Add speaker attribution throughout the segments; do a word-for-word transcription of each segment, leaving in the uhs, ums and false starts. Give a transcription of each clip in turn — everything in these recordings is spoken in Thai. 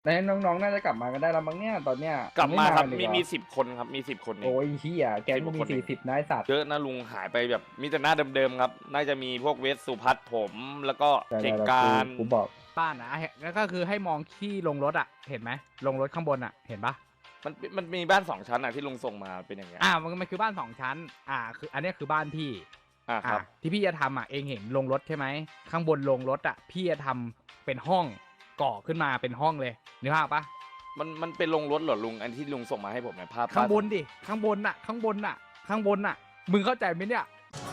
Speaker 1: แล้วน้องๆน่าจะกลับมากันได้แล้วมั้งเนี่ยตอนเนี้ย
Speaker 2: กลับมาครับมีมี
Speaker 1: สิ
Speaker 2: สิบคนครับมีสิบคนเอง
Speaker 1: โอ้ยเฮียแกงก็มีสี่สิบนายสัตว์
Speaker 2: เยอะนะลุงหายไปแบบมีแต่หน้าเดิมๆครับน่าจะมีพวกเวสสุพัฒน์ผมแล้วก็เก่งการ
Speaker 1: กูบอก
Speaker 3: บ้านนะแล้วก็คือให้มองที่ลงรถอ่ะเห็นไหมลงรถข้างบนอ่ะเห็นปะ
Speaker 2: มันมันมีบ้านสองชั้นอ่ะที่ลุงส่งมาเป็นอย่างเงี้ย
Speaker 3: อ่ามันมันคือบ้านสองชั้นอ่าคืออันนี้คือบ้านพี่
Speaker 2: อ่าครับ
Speaker 3: ที่พี่จะทำอ่ะเองเห็นลงรถใช่ไหมข้างบนลงรถอ่ะพี่จะทำเป็นห้องก่อขึ้นมาเป็นห้องเลยนึกภาพปะ
Speaker 2: มันมันเป็นลงรถเหรอลุงอันที่ลุงส่งมาให้ผมเนี่ยภาพ
Speaker 3: ข้างบนดิข้างบนอ่ะข้างบนอ่ะข้างบนอ่ะมึงเข้าใจไหมเนี่ย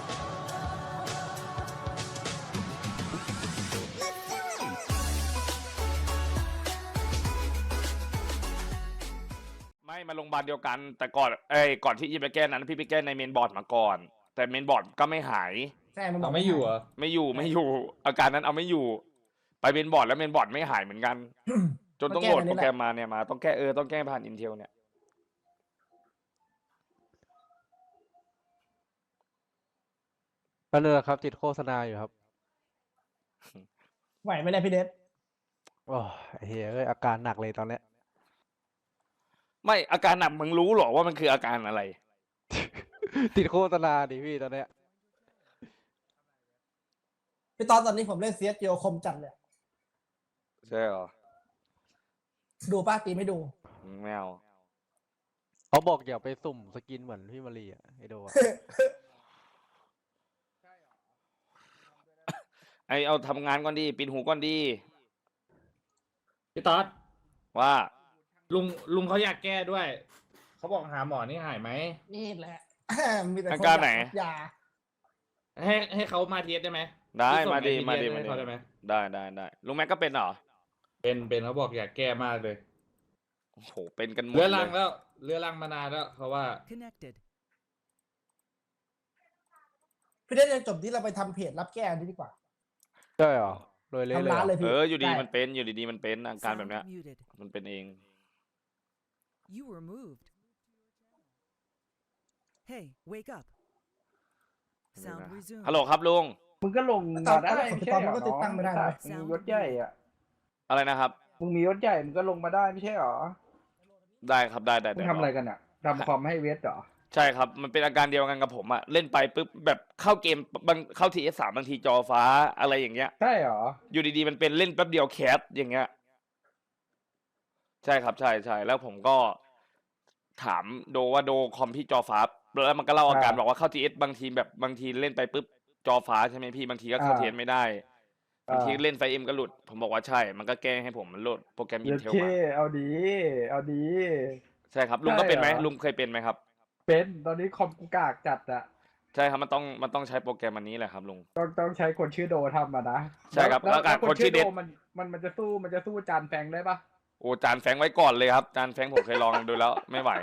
Speaker 2: ไม่มาโรงพยาบาลเดียวกันแต่ก่อนเอ้ยก่อนที่จะไปแก้นั้นพี่ไปแก้ในเมนบอร์ดมาก่อนแต่เมนบอร์ดก็ไม่หาย
Speaker 4: ใช่มันบอ
Speaker 5: เรา
Speaker 4: ก
Speaker 5: ไม่อยู่เหรอ
Speaker 2: ไม่อยู่ไม่อยู่อาการนั้นเอาไม่อยู่ไปเมนบอร์ดแล้วเมนบอร์ดไม่หายเหมือนกันจนต้องโหลดโปรแกรมมาเนี่ยมาต้องแก้เออต้องแก้ผ่านอินเทลเนี่ย
Speaker 6: ก็เลยครับติดโฆษณาอยู่ครับ
Speaker 4: ไหวไหมเนี่ยพี่เดช
Speaker 6: โอ้เฮ้ยเอ้ยอาการหนักเลยตอนเนี้ย
Speaker 2: ไม่อาการหนักมึงรู้หรอว่ามันคืออาการอะไร
Speaker 6: ติดโฆษณาดิพี่ตอนเนี้ย
Speaker 4: พี่ตอนตอนนี้ผมเล่นเซียสเกียวคมจัดเลย
Speaker 2: ใช่หรอ
Speaker 4: ดูป้าตีไม่ดู
Speaker 2: แมว
Speaker 6: เขาบอกอย่าไปสุ่มสกินเหมือนพี่มารีอ่ะไอโดอะ
Speaker 2: ไอเอาทำงานก่อนดีปิดหูก่อนดี
Speaker 5: พี่ต๊อด
Speaker 2: ว่า
Speaker 5: ลุงลุงเขาอยากแก้ด้วยเขาบอกหาหมอนี่หายไหม
Speaker 4: นี่แหละ มีแต่
Speaker 2: อา
Speaker 4: คน
Speaker 2: การไหน
Speaker 4: ยา
Speaker 5: ให้ให้เขามาเทสได้ไหม
Speaker 2: ได้
Speaker 5: พี่ส่ง
Speaker 2: มาดี
Speaker 5: ไอ้
Speaker 2: มาดี
Speaker 5: ทีเอส
Speaker 2: มา
Speaker 5: ให้
Speaker 2: ดี
Speaker 5: เขาได้ไหม
Speaker 2: ได้ได้ได้ลุงแม็กก็เป็นเหรอ
Speaker 5: เป็นเป็นเขาบอกอยากแก้มากเลย
Speaker 2: โอ้โหเป็นกันหมด
Speaker 5: เรือ
Speaker 2: เล
Speaker 5: รั
Speaker 2: ย
Speaker 5: งแล้วเรือรังมานานแล้วเขาว่า
Speaker 7: Connected.
Speaker 4: พี่เดชจะจบที่เราไปทำเพจรับแก้อันนี้ดีกว่า
Speaker 6: ใช่เหรอโดยเละเลย
Speaker 4: ทำร้าน
Speaker 6: เหร
Speaker 4: เล
Speaker 6: อย
Speaker 4: พี่
Speaker 2: เอออยู่ดี
Speaker 4: ได้
Speaker 2: มันเป็นอยู่ดีๆมันเป็นอาการแบบ
Speaker 7: Sound
Speaker 2: เนี้ย
Speaker 7: muted.
Speaker 2: มันเป็นเอง
Speaker 7: You were moved. Hey, wake up. Sound
Speaker 2: ฮัลโหล
Speaker 7: resumed.
Speaker 2: ครับลุง
Speaker 1: มึงก็ลง
Speaker 4: ตอ
Speaker 1: มาน ได้
Speaker 4: ตอน
Speaker 1: ไม่ใช่เหร
Speaker 4: มันก็ติดตั้งไม่ได้นะ
Speaker 1: มึงมียศใหญ่อะ
Speaker 2: อะไรนะครับ
Speaker 1: มึงมียศใหญ่มึงก็ลงมาได้ไม่ใช่เหรอ
Speaker 2: ได้ครับได้ได้
Speaker 1: มึง
Speaker 2: ได้
Speaker 1: ทำอะไรกันอะทำคอมให้เวสเหรอ
Speaker 2: ใช่ครับมันเป็นอาการเดียวกันกับผมอะเล่นไปปุ๊บแบบเข้าเกมบางเข้าทีเอสสามบางทีจอฟ้าอะไรอย่างเงี้ย
Speaker 1: ใช่เหรอ
Speaker 2: อยู่ดีๆมันเป็นเล่นแป๊บเดียวแคสอย่างเงี้ยใช่ครับใช่ใช่แล้วผมก็ถามโดว่าโดคอมพี่จอฟ้าแล้วมันก็เล่าอาการ
Speaker 1: อ่า
Speaker 2: บอกว่าเข้าทีเอสบางทีแบบบางทีเล่นไปปุ๊บจอฟ้าใช่ไหมพี่บางทีก็เข้า
Speaker 1: อ่า
Speaker 2: ทีเอสไม่ได้บางที
Speaker 1: อ่า
Speaker 2: เล่นไฟเอ็มก็หลุด ผมบอกว่าใช่ มันก็แก้ให้ผมมันโหลดโปรแกรมอิ
Speaker 1: เย
Speaker 2: น
Speaker 1: อะ
Speaker 2: เทล
Speaker 1: เค
Speaker 2: มา
Speaker 1: เอาดี เอาดี
Speaker 2: ใช่ครับลุงก็เป็นไหม
Speaker 1: ใช่เหรอ
Speaker 2: ลุงเคยเป็นไหมครับ
Speaker 1: เป็นตอนนี้คอมกูกากจัดอะ
Speaker 2: ใช่ครับมันต้องมันต้องใช้โปรแกรมอันนี้แหละครับลุง
Speaker 1: ต้องต้องใช้คนชื่อโดทำมานะ
Speaker 2: ใช่ครับ
Speaker 1: แล้ว
Speaker 2: แล้วการ
Speaker 1: แล้ว
Speaker 2: คนชื่อเด็ด
Speaker 1: มันมันมันจะสู้มันจะสู้จานแฟงได้ปะ
Speaker 2: โอ้จานแฟงไว้ก่อนเลยครับ จานแฟงผมเคยลองดูแล้ว ไม่ไหว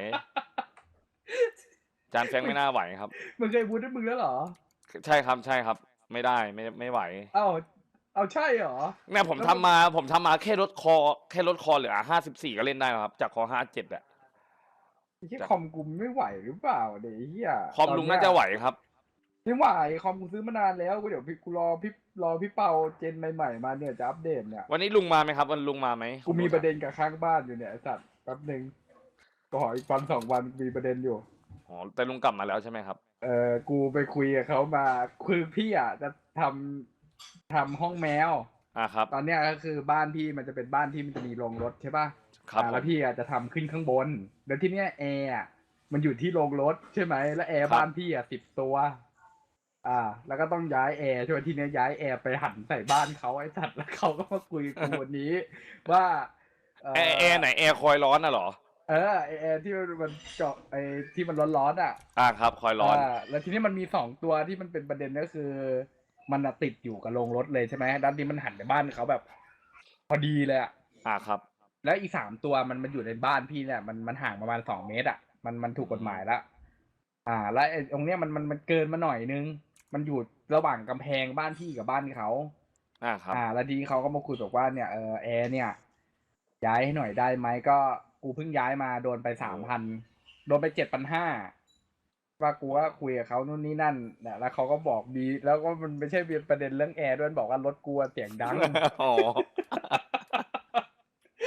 Speaker 2: จานแฟงไม่น่าไหวครับ
Speaker 1: มึงเคยพูดให้มึงแล้วเหรอ
Speaker 2: ใช่ครับใช่ครับ ไม่ได้ไม่ไม่ไหว
Speaker 1: เอ้าเอาใช่เหรอ
Speaker 2: เนี่ยผมทำมาผมทำมาแค่ลดคอแค่ลดคอเหลือห้าสิบสี่ก็เล่นได้แล้วครับ จากคอห้าเจ็ดอะ
Speaker 1: ที่คอมกูไม่ไหวหรือเปล่าเดี๋ยวไอ้เฮีย
Speaker 2: คอมลุงน่าจะไหวครับ
Speaker 1: ไม่ไหวคอมกูซื้อมานานแล้วกูเดี๋ยวพี่กูรอพี่รอพี่เปาเจนใหม่ๆมาเนี่ยจะอัปเดตเนี่ย
Speaker 2: วันนี้ลุงมาไหมครับ วันลุงมาไหม
Speaker 1: กูมีประเด็นกับข้างบ้านอยู่เนี่ยไอ้สัตว์แป๊บหนึ่งก็ขออีกวันสองวันมีประเด็นอยู่
Speaker 2: อ๋อแต่ลุงกลับมาแล้วใช่ไหมครับ
Speaker 1: เออกูไปคุยกับเขามาคือพี่อ่ะจะทำทำห้องแมว
Speaker 2: อ่าครับ
Speaker 1: ตอนเนี้ยก็คือบ้านพี่มันจะเป็นบ้านที่มันจะมีโรงรถใช่ป่ะ
Speaker 2: ครับ
Speaker 1: อ่า
Speaker 2: ผ
Speaker 1: แล้ว
Speaker 2: ม
Speaker 1: พี่อ่ะจะทำขึ้นข้างบนแล้วที่เนี้ยแอร์อ่ะมันอยู่ที่โรงรถใช่ไหมแล้วแอร์
Speaker 2: ครับ
Speaker 1: บ้านพี่อ่ะสิบตัว อ่า แล้วก็ต้องย้ายแอร์ใช่ไหมที่เนี้ยย้ายแอร์ไปหันใส่บ้านเขาไอ้สัตว์แล้วเขาก็มาคุยกับกูวันนี้ ว่าเ
Speaker 2: แอร์แอร์ไหนแอร์คอยร้อนน่ะเหรอ
Speaker 1: เออไอแอร์ที่มันเจาะไอที่มันร้อนๆอ่ะ
Speaker 2: อ่าครับคอยร้อน
Speaker 1: าแล้วทีนี้มันมีสองตัวที่มันเป็นประเด็นก็คือ มันอะติดอยู่กับโรงรถเลยใช่ไหมด้านนี้มันหันไปบ้านเขาแบบ พอดีเลยอ่ะ
Speaker 2: อ่าครับ
Speaker 1: แล้วอีกสามตัวมันมันอยู่ในบ้านพี่เนี่ยมันมันห่างประมาณสองเมตรอ่ะมันมันถูกกฎหมายแล้วอ่า แล้วไอ้ตรงเนี้ยมันมันมันเกินมาหน่อยนึง มันอยู่ระหว่างกำแพงบ้านพี่กับบ้านเขา
Speaker 2: อ่าครับ
Speaker 1: อ่า แล้วทีนี้เขาก็มาคุยบอกว่าเนี่ยเออแอร์เนี่ย ย้ายให้หน่อยได้ไหมก็กูเพิ่งย้ายมาโดนไปสามพันโดนไปเจ็ดพันห้าว่ากูว่าคุยกับเขานู่นนี่นั่นเนี่ยแล้วเขาก็บอกดี แล้วก็มันไม่ใช่ประเด็นเรื่องแอร์ด้วยบอกว่ารถกูเสียงดัง
Speaker 2: อ๋อ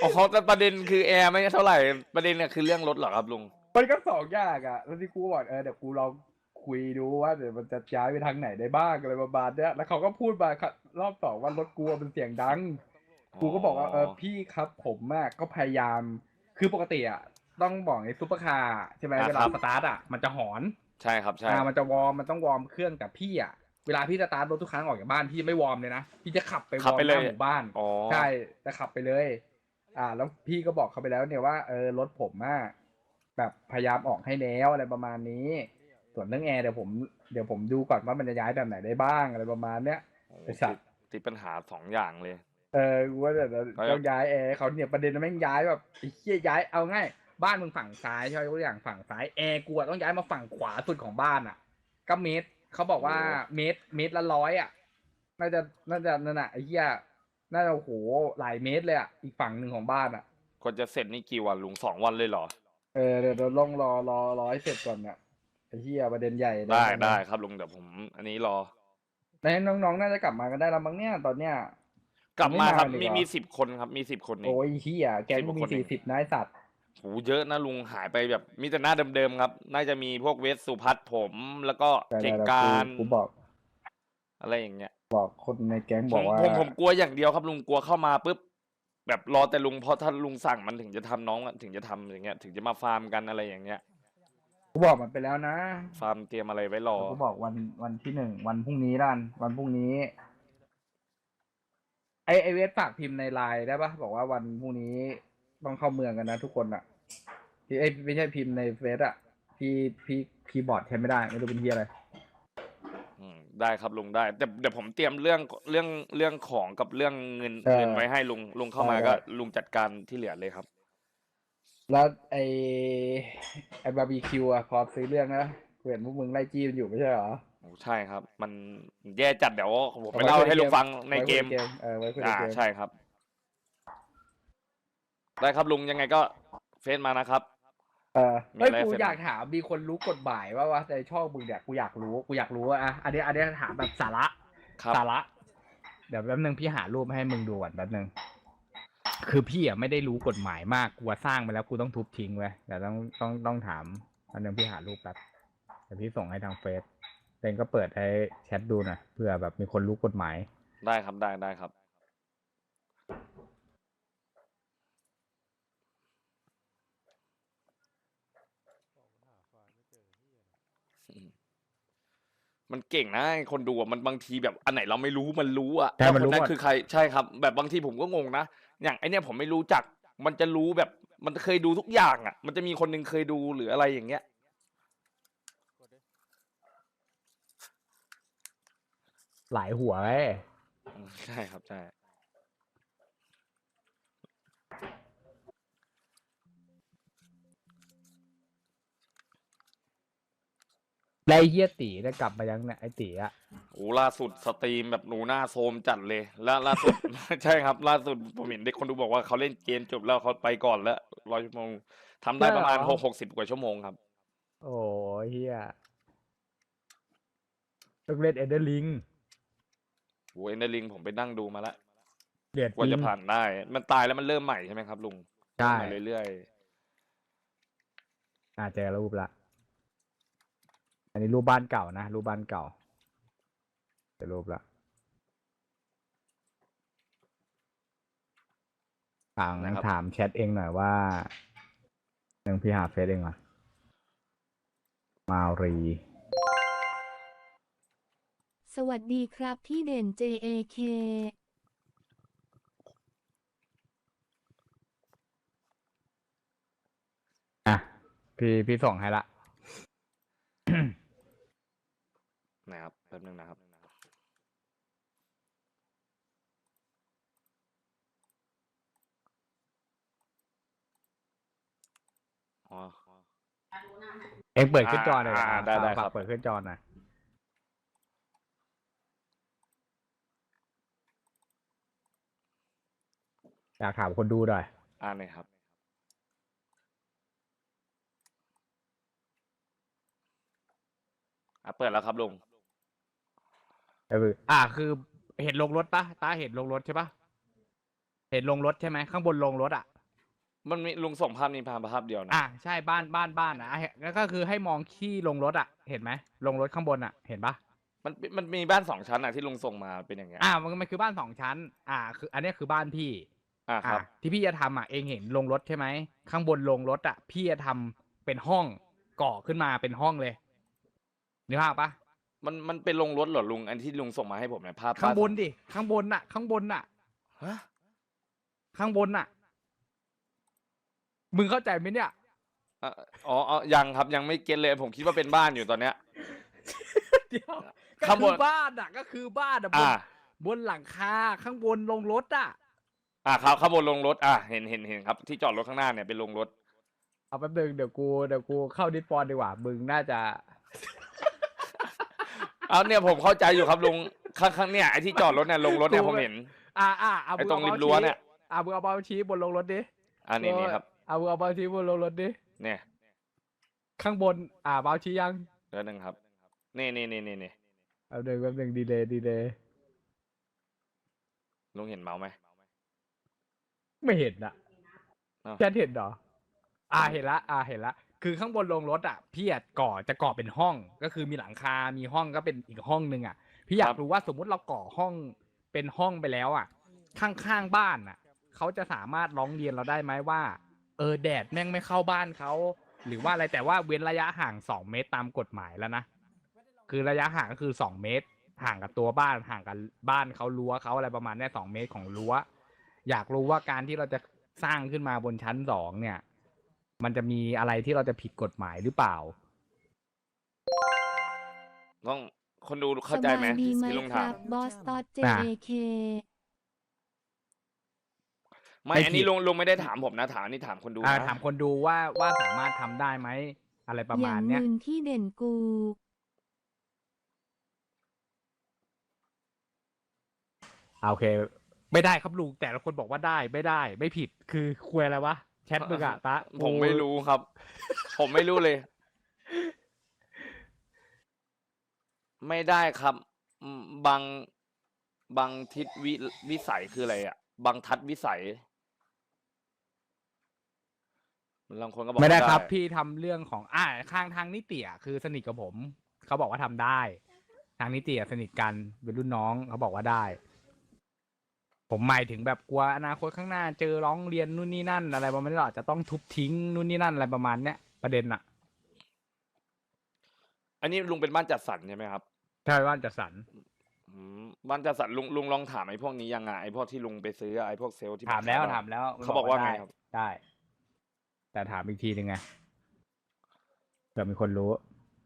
Speaker 2: อ๋อเขาแต่ประเด็นคือแอร์ไม่เท่าไหร่ประเด็นเนี่ยคือเรื่องรถเหรอครับลุง
Speaker 1: มันก็สองอย่างอ่ะ แล้วที่กูบอกเออเดี๋ยวกูลองคุยดูว่าเดี๋ยวมันจะย้ายไปทางไหนได้บ้างอะไรประมาณเนี้ยแล้วเขาก็พูดมารอบสองว่ารถกูเป็นเสียงดัง กูก็บอกว่าเออพี่ครับผมอะก็พยายามคือปกติอะต้องบอกในซุปเปอร์คาร์ใช่ไหม
Speaker 2: อ่า
Speaker 1: เวลา
Speaker 2: ครับ
Speaker 1: สตาร์ทอะมันจะหอน
Speaker 2: ใช่ครับใช่
Speaker 1: อ่ามันจะวอร์มมันต้องวอร์มเครื่องแต่พี่อะเวลาพี่สตาร์ทรถทุกครั้งออกจากบ้านพี่ไม่วอร์มเลยนะพี่จะขับไปว
Speaker 2: ขับ
Speaker 1: อร์ม
Speaker 2: ไป
Speaker 1: ห
Speaker 2: เลย
Speaker 1: น้าหมู่บ้าน
Speaker 2: อ๋อ
Speaker 1: ใช่จะขับไปเลย อ่า แล้วพี่ก็บอกเขาไปแล้วเนี่ยว่าเออรถผมอะแบบพยายามออกให้แล้วอะไรประมาณนี้ ส่วนเรื่องแอร์เดี๋ยวผมเดี๋ยวผมดูก่อนว่ามันจะย้ายแบบไหนได้บ้างอะไรประมาณเนี้ย
Speaker 2: โอ้โห
Speaker 1: ไอ้สั
Speaker 2: ติ
Speaker 1: ต
Speaker 2: ด
Speaker 1: ว์
Speaker 2: ติดปัญหาสองอย่างเลย
Speaker 1: เออกูว่าแต่
Speaker 2: ก็
Speaker 1: ต้องย้ายแอร์เขาเนี่ยประเด็นมันแม่งย้ายแบบไอ้เหี้ยย้ายเอาง่ายบ้านมึงฝั่งซ้ายใช่ไหมตัวอย่างฝั่งซ้ายแอร์กูอะต้องย้ายมาฝั่งขวาสุดของบ้านอ่ะ ก็เมตรเขาบอกว่าเมตรเมตรละร้อยอ่ะน่าจะน่าจะนั่นน่ะไอ้เหี้ยน่าจะโอ้โหหลายเมตรเลยอ่ะอีกฝั่งหนึ่งของบ้านอ่ะ
Speaker 2: กว่าจะเสร็จนี่กี่วันลุงสองวันเลยเหรอ
Speaker 1: เออเดี๋ยวเราต้องรอรอรอให้เสร็จก่อนเนี่ยไอ้เหี้ยประเด็นใหญ่เลย
Speaker 2: ได้
Speaker 1: นะ
Speaker 2: ได้ครับลุงเดี๋ยวผม อันนี้รอ
Speaker 1: ในน้องๆน่าจะกลับมากันได้แล้วมั้งเนี่ยตอนเนี้ย
Speaker 2: กลับมาครับ
Speaker 1: ไม่มาเลย
Speaker 2: มี
Speaker 1: เหรอ
Speaker 2: มีสิบคนครับมีสิบคนเอง
Speaker 1: โอ้ยเหี้ยแก๊งกูมี
Speaker 2: สิบกว่าคนเอง
Speaker 1: สี่สิบนายสัตว์
Speaker 2: โหเยอะนะลุงหายไปแบบมีแต่หน้าเดิมๆครับ น่าจะมีพวกเวสสุพัฒน์ผม แล้วก็
Speaker 1: แต่
Speaker 2: เก่ง
Speaker 1: แต่
Speaker 2: การ
Speaker 1: กูกูบอก
Speaker 2: อะไรอย่างเงี้ย
Speaker 1: บอกคนในแก๊ง
Speaker 2: ผ
Speaker 1: บอ
Speaker 2: ม
Speaker 1: กว่า
Speaker 2: ผมผมกลัวอย่างเดียวครับลุงกลัวเข้ามาปุ๊บแบบรอแต่ลุงเพราะถ้าลุงสั่งมันถึงจะทำน้องอะถึงจะทำอย่างเงี้ย ถึงจะมาฟาร์มกันอะไรอย่างเงี้ย
Speaker 1: กูบอกมันไปแล้วนะ
Speaker 2: ฟาร์มเตรียมอะไรไว้รอ
Speaker 1: กูบอกวันวันที่หนึ่งวันพรุ่งนี้ด้านวันพรุ่งนี้ ไอไอเวสฝากพิมพ์ในไลน์ได้ปะบอกว่าวันพรุ่งนี้ต้องเข้าเมืองกันนะทุกคนอ่ะพี่ไอยไม่ใช่พิมพ์ในเฟซอ่ะพี่พี่คีย์บอร์ดใช้ไม่ได้ไม่รู้เป็นที่อะไร
Speaker 2: อืมได้ครับลุงได้แต่เดี๋ยวผมเตรียมเรื่องเรื่องเรื่องของกับเรื่องเงิน
Speaker 1: เออ
Speaker 2: เงินไว้ให้ลุงลุงเข้ามา
Speaker 1: ได้
Speaker 2: ก็
Speaker 1: ได้
Speaker 2: ลุงจัดการที่เหลือเลยครับ
Speaker 1: แล้วไอไอบาร์บีคิวอ่ะพอซื้อเรื่องนะกูเห็นพวกมึงไล่จี้มันอยู่ไม่ใช่เหรอ
Speaker 2: โอ้ใช่ครับ มันแย่จัดเดี๋ยวผมไป
Speaker 1: เอาไว้
Speaker 2: เล่า
Speaker 1: คุยใน
Speaker 2: ให้ลุง
Speaker 1: เกม
Speaker 2: ฟังในเกม
Speaker 1: ไว้คุยในเกมเออไว้คุยใน
Speaker 2: อ่า
Speaker 1: เกม
Speaker 2: ใช่ครับ ได้ครับลุงยังไงก็เฟซมานะครับ
Speaker 1: เออ
Speaker 2: มี
Speaker 1: เฮ้ย
Speaker 2: อะไร
Speaker 1: กู
Speaker 2: เสร็จ
Speaker 1: อยากถามมีคนรู้กฎหมายว่าว่าในช่องมึงเนี่ยกูอยากรู้กูอยากรู้ว่าอ่ะอันนี้อันนี้ถามแบบสาระ
Speaker 2: ครับ
Speaker 3: สาระเดี๋ยวแป๊บนึงพี่หารูปให้มึงดูก่อนแป๊บนึงคือพี่อ่ะไม่ได้รู้กฎหมายมากกูสร้างไปแล้วกูต้องทุบทิ้งไว้เดี๋ยวต้องต้องต้องถามอันนึงพี่หารูปแป๊บเดี๋ยวพี่ส่งให้ทางเฟซเต็งก็เปิดให้แชทดูหน่อยเผื่อแบบมีคนรู้กฎหมาย
Speaker 2: ได้ครับได้ได้ครับ มันเก่งนะไอ้คนดูอ่ะมันบางทีแบบอันไหนเราไม่รู้มันรู้อ่ะ
Speaker 3: ใช่
Speaker 2: แล้ว
Speaker 3: มัน
Speaker 2: ค
Speaker 3: รู้
Speaker 2: นนั้น
Speaker 3: หมด
Speaker 2: คือใครใช่ครับ แบบบางทีผมก็งงนะอย่างไอเนี้ยผมไม่รู้จัก มันจะรู้แบบมันเคยดูทุกอย่างอ่ะ มันจะมีคนหนึงเคยดูหรืออะไรอย่างเงี้ย
Speaker 3: หลายหัวเว้ย
Speaker 2: อืมใช่ครับใช่
Speaker 3: แล้วไอ้เฮียตีได้กลับมายังเนี่ยไอ้ตีอะ
Speaker 2: โอ้ล่าสุดสตรีมแบบหนูหน้าโซมจัดเลย แล้วล่าสุด ใช่ครับ ล่าสุดผมเห็นเด็กคนดูบอกว่าเขาเล่นเกมจบแล้วเขาไปก่อนแล้วร้อยชั่วโมงทำได้ประมาณหกหกสิบกว่าชั่วโมงครับ
Speaker 3: โอ้ยเฮียต้องเล่นเอเดอร์ลิง
Speaker 2: โอ้เอ็นเดอร์ลิงผมไปนั่งดูมาแล้ว
Speaker 3: เดือด
Speaker 2: กว่า
Speaker 3: จริ
Speaker 2: จะ
Speaker 3: ง
Speaker 2: ผ่านได้ มันตายแล้วมันเริ่มใหม่ใช่ไหมครับลุง
Speaker 3: ใช่
Speaker 2: เริ่มใหม่เรื่อย
Speaker 3: อ่าเจอรูปละ อันนี้รูปบ้านเก่านะรูปบ้านเก่าเจอรูปละถามถามแชทเองหน่อยว่าหนึ่งพี่หาเฟซเองเหรอมารี
Speaker 8: สวัสดีครับพี่เด่น เจ เอ เค
Speaker 3: อ่ะพี่พี่ส่งให้ละ
Speaker 2: ๆนะครับแป๊บนึงนะครับอ๋อ
Speaker 3: เองเปิดขึ้นจอหน่อย
Speaker 2: อ่าได้ได้
Speaker 3: ฝาก
Speaker 2: ครับ
Speaker 3: เปิดขึ้นจอหน่อยอยากถามคนดูหน่อย
Speaker 2: อ่านเลยครับ อ่ะเปิดแล้วครับลุง
Speaker 3: เอออ่าคือเห็นลงรถปะตาเห็นลงรถใช่ปะเห็นลงรถใช่ไหมข้างบนลงรถอ่ะ
Speaker 2: มันมีลุงส่งภาพนี้ภาพภาพเดียวนะ
Speaker 3: อ่ะใช่บ้านบ้านบ้านอ่ะให้แล้วก็คือให้มองที่ลงรถอ่ะ เห็นไหมลงรถข้างบนอ่ะ เห็นปะ
Speaker 2: มันมันมีบ้านสองชั้นอ่ะที่ลุงส่งมาเป็นอย่างเงี้ย
Speaker 3: อ่ะมันมันคือบ้านสองชั้น อ่ะคือ อันเนี้ยคือบ้านพี่
Speaker 2: อ่าครับ
Speaker 3: อ่ะที่พี่จะทำอ่ะเองเห็นลงรถใช่ไหมข้างบนลงรถอ่ะ พี่จะทำเป็นห้องก่อขึ้นมาเป็นห้องเลยนึกภาพปะ
Speaker 2: มันมันเป็นลงรถเหรอลุงอันที่ลุงส่งมาให้ผมเนี่ยภาพ
Speaker 3: ข้างบน
Speaker 2: ภพ
Speaker 3: ดิข้างบนน่ะ ข้างบนน่ะ
Speaker 2: ฮะ
Speaker 3: ข้างบนน่ะ มึงเข้าใจไหมเนี่ย
Speaker 2: อ่ะอ๋ออ๋อยังครับยังไม่เก็ตเลยผมคิดว่าเป็นบ้านอยู่ตอนเนี้ย
Speaker 3: เดี๋ยวก็
Speaker 2: ข้างบ
Speaker 3: คื
Speaker 2: น
Speaker 3: อบ้านอ่ะ ก็คือบ้านอ่ะบน
Speaker 2: อ่า
Speaker 3: บนหลังคาข้างบนลงรถอ่ะ
Speaker 2: อ่าครับข้างบนลงรถอ่ะเห็นเห็นเห็นครับที่จอดรถข้างหน้าเนี่ยเป็นลงรถ
Speaker 3: เอาแป๊บนึงเดี๋ยวกูเดี๋ยวกูเข้าดิสปอนดีกว่า มึงน่าจะ
Speaker 2: เอาเนี่ยผมเข้าใจอยู่ครับลุงข้างข้างเนี่ยไอ้ที่จอดรถเนี่ยลงรถเนี่ย
Speaker 3: กู
Speaker 2: ผมเห็น
Speaker 3: อ่าอ่าเอา
Speaker 2: ไอ้
Speaker 3: มึ
Speaker 2: ตรง
Speaker 3: อา
Speaker 2: ริม
Speaker 3: เมาส์
Speaker 2: รั้ว
Speaker 3: ชี้
Speaker 2: เนี่ย
Speaker 3: อ่ามึงเอาเบาชี้บนลงรถดิ
Speaker 2: อันนี้นี่ครับ
Speaker 3: เอามึงเอาเบาชี้บนลงรถดิ
Speaker 2: เนี่ย
Speaker 3: ข้างบน อ่าเบาชี้ยัง
Speaker 2: เดี๋ยวหนึ่งครับนี่นี่นี่นี่นี่
Speaker 3: เอาหนึ่งแป๊บหนึ่งดีเลยดีเลย
Speaker 2: ลุงเห็นเมาส์ไหม
Speaker 3: ไม่เห็นอ่ะ
Speaker 2: อ้าว
Speaker 3: แค่เห็นเหรอ อ่าเห็นละ อ่าเห็นละ คือข้างบนลงรถอ่ะพี่อะก่อจะก่อเป็นห้อง ก็คือมีหลังคา มีห้องก็เป็นอีกห้องนึงอ่ะ พี่อยากรู้ว่าสมมุติเราก่อห้องเป็นห้องไปแล้วอ่ะ ข้างๆบ้านอ่ะเขาจะสามารถร้องเรียนเราได้ไหมว่า เออแดดแม่งไม่เข้าบ้านเขาหรือว่าอะไรแต่ว่าเว้นระยะห่างสองเมตรตามกฎหมายแล้วนะ คือระยะห่างก็คือสองเมตร ห่างกับตัวบ้านห่างกับบ้านเขารั้วเขาอะไรประมาณเนี้ยสองเมตรของรั้ว อยากรู้ว่าการที่เราจะสร้างขึ้นมาบนชั้นสองเนี่ย มันจะมีอะไรที่เราจะผิดกฎหมายหรือเปล่า
Speaker 2: ต้องคนดูเข้าใจไหม
Speaker 8: สบยดี
Speaker 2: ที่
Speaker 8: ไหม
Speaker 2: ที่ลุง
Speaker 8: ค
Speaker 2: ถา
Speaker 8: รั
Speaker 2: ม
Speaker 8: บบอสตอด เจ
Speaker 3: อ่ะ
Speaker 8: เอ เค
Speaker 2: ไม่
Speaker 3: ไม่
Speaker 2: อัน
Speaker 3: ผิ
Speaker 2: นี้
Speaker 3: ด
Speaker 2: ลุงลุงไม่ได้ถามผมนะถามอันนี้ถามคนดู
Speaker 3: อ่า
Speaker 2: นะ
Speaker 3: ถามคนดูว่าว่าสามารถทำได้ไหมอะไรประ
Speaker 8: อ
Speaker 3: มา
Speaker 8: ย่า
Speaker 3: ณ
Speaker 8: ง
Speaker 3: เนี้ย
Speaker 8: มึนที่เด่นกู
Speaker 3: อ่าโอเค ไม่ได้ครับลุงแต่ละคนบอกว่าได้ไม่ได้ ไม่ผิดคือคุยอะไรวะแชทมึงอะตะ
Speaker 2: ผมไม่รู้ครับ ผมไม่รู้เลย ไม่ได้ครับอืมบางบางทิศวิวิสัยคืออะไรอ่ะบางทัศน์วิสัยบางคนก็บอก
Speaker 3: ไม่ได้
Speaker 2: ว่า
Speaker 3: ครับ พี่ทำเรื่องของอ่าข้างทางนิติอ่ะคือสนิทกับผม เขาบอกว่าทำได้ ทางนิติอ่ะสนิทกันเป็นรุ่นน้องเขาบอกว่าได้ ผมหมายถึงแบบกลัวอนาคตข้างหน้าเจอร้องเรียนนู่นนี่นั่น อะไรประมาณนี้หรอจะต้องทุบทิ้งนู่นนี่นั่นอะไรประมาณเนี้ยประเด็นอ่ะ
Speaker 2: อันนี้ลุงเป็นบ้านจัดสรรใช่ไหมครับ
Speaker 3: ใช่ว่าจะสัน
Speaker 2: อืมบ้านจัดสรรลุงลุงลองถามไอ้พวกนี้ยังไงไอ้พวกที่ลุงไปซื้อไอ้พวกเซลล์ที่
Speaker 3: ถามแล้ว
Speaker 2: ขยบ้น
Speaker 3: ถามแล้ว
Speaker 2: เขาบอกว่าไง
Speaker 3: ด้
Speaker 2: ครับ
Speaker 3: ได้ แต่ถามอีกทีหนึ่งไงเผื่อมีคนรู้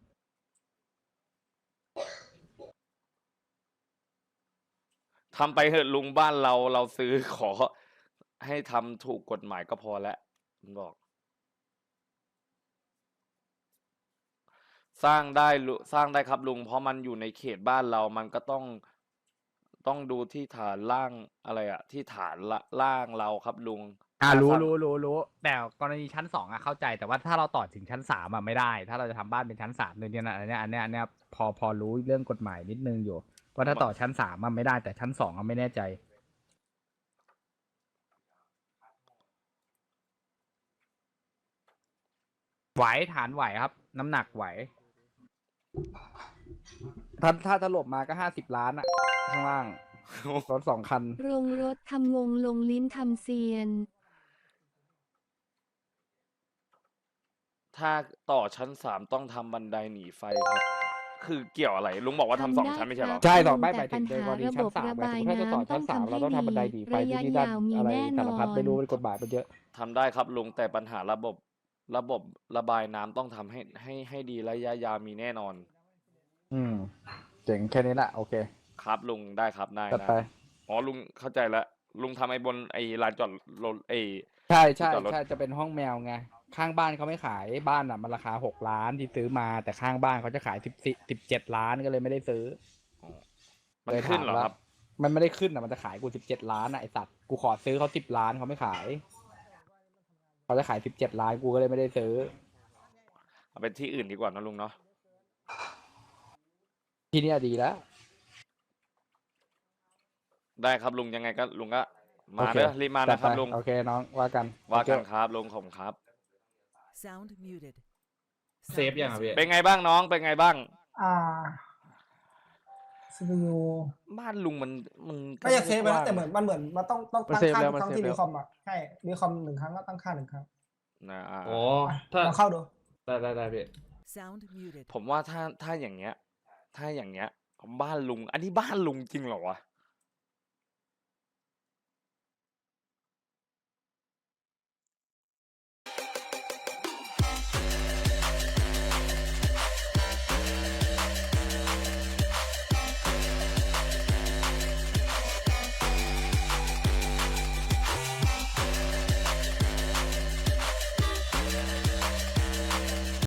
Speaker 2: ทำไปเถอะลุงบ้านเราเราซื้อขอ ให้ทำถูกกฎหมายก็พอแล้วมันบอก สร้างได้ลุสร้างได้ครับลุงเพราะมันอยู่ในเขตบ้านเรามันก็ต้องต้องดูที่ฐานล่างอะไรอะที่ฐานละล่างเราครับลุง
Speaker 3: อ่า
Speaker 2: ถ้า
Speaker 3: รู้
Speaker 2: สร้าง
Speaker 3: รู้รู้รู้แต่กรณีชั้นสองอะเข้าใจแต่ว่าถ้าเราต่อถึงชั้นสามอะไม่ได้ ถ้าเราจะทำบ้านเป็นชั้นสามเนี่ยนะอันเนี้ยอันเนี้ยอันเนี้ยพอพอรู้เรื่องกฎหมายนิดนึงอยู่ว่าถ้าต่อชั้นสามอะไม่ได้แต่ชั้นสองอะไม่แน่ใจ ไหวฐานไหวครับ น้ำหนักไหว ถ้าถ้าถล่มมาก็ห้าสิบล้านอะข้างล่างรถสองคัน
Speaker 8: โรงรถทำงงลงลิ้นทำเซียน
Speaker 2: ถ้าต่อชั้นสามต้องทำบันไดหนีไฟครับ คือเกี่ยวอะไร ลุงบอกว่าทำสองชั้นไม่ใช่เหรอ
Speaker 3: ใช่
Speaker 8: ทำ
Speaker 3: ต่อไม่
Speaker 8: แต่
Speaker 3: หมายถึงในกรณี
Speaker 8: ปัญหา
Speaker 3: ชั้นสาม
Speaker 8: ระบบ
Speaker 3: ไงสมมติถ้าจะต่อชั้นสาม
Speaker 8: ระบายน้ำ
Speaker 3: เราต้องทำบันไดหนีไฟ
Speaker 8: ระยะ
Speaker 3: ที่นี่นั่น
Speaker 8: ยาวมี
Speaker 3: อะไร
Speaker 8: แน่นอน
Speaker 3: สารพัดไม่รู้เป็นกฎหมายมันเยอะ
Speaker 2: ทำได้ครับลุงแต่ปัญหาระบบระบบระบายน้ำต้องทำให้ให้ให้ดีระยะยาวมีแน่นอน
Speaker 3: อืมเจ๋งแค่นี้แหละโอเค
Speaker 2: ครับลุงได้ครับได้
Speaker 3: จัด
Speaker 2: ได้
Speaker 3: ไป
Speaker 2: อ๋อลุงเข้าใจแล้วลุงทำไอ้บนไอ้ลานจอดรถไอ้
Speaker 3: ใช่ใช่
Speaker 2: จอดรถ
Speaker 3: ใช่จะเป็นห้องแมวไงข้างบ้านเขาไม่ขายบ้านอ่ะมันราคาหกล้านที่ซื้อมาแต่ข้างบ้านเขาจะขายสิบสิบเจ็ดล้านก็เลยไม่ได้ซื้อ
Speaker 2: มัน
Speaker 3: เลย
Speaker 2: ขึ้น
Speaker 3: ถาม
Speaker 2: เหรอ
Speaker 3: ว่า
Speaker 2: ครับ
Speaker 3: มันไม่ได้ขึ้นอ่ะมันจะขายกูสิบเจ็ดล้านอ่ะไอสัตว์กูขอซื้อเขาสิบล้านเขาไม่ขายเขาจะขายสิบเจ็ดล้านกูก็เลยไม่ได้ซื้อ
Speaker 2: เอาไปที่อื่นดีกว่านะลุงเนาะ
Speaker 3: ที่เนี่ยดีแล้ว
Speaker 2: ได้ครับลุงยังไงก็ลุงก็มา
Speaker 1: โอเค
Speaker 2: เด้อรีบมา
Speaker 1: จัด
Speaker 2: นะครับ
Speaker 1: ไป
Speaker 2: ลุง
Speaker 1: โอเคน้องว่ากัน
Speaker 2: ว่ากัน
Speaker 1: โอเค
Speaker 2: ครับลุงผมครับ
Speaker 7: Sound muted.
Speaker 5: เซฟยังอ่ะพี่
Speaker 2: เป็นไงบ้างน้องเป็นไงบ้าง
Speaker 4: อ่าซีพียู
Speaker 2: บ้านลุงมันมัน
Speaker 4: ก็จะเซฟไปนะแต่เหมือนมันเหมือนมันต้องต้อง
Speaker 6: มัน
Speaker 4: ตั้ง
Speaker 6: เซฟ
Speaker 4: ค่า
Speaker 6: แล้ว
Speaker 4: ทุกครั้ง
Speaker 6: มันเซฟ
Speaker 4: ที่
Speaker 6: แล้
Speaker 4: รี
Speaker 6: ว
Speaker 4: คอมอ่ะใช่รีคอมหนึ่งครั้งก็ตั้งค่าหนึ่งครั้ง
Speaker 2: นะอ่า
Speaker 5: อ๋อ
Speaker 4: อ่ะ
Speaker 5: ถ้า
Speaker 4: ลองเข้าดู
Speaker 5: ได้ได้ได้พี่
Speaker 7: Sound muted.
Speaker 2: ผมว่าถ้าถ้าอย่างเงี้ย ถ้าอย่างเงี้ยบ้านลุง อันนี้บ้านลุงจริงเหรอวะ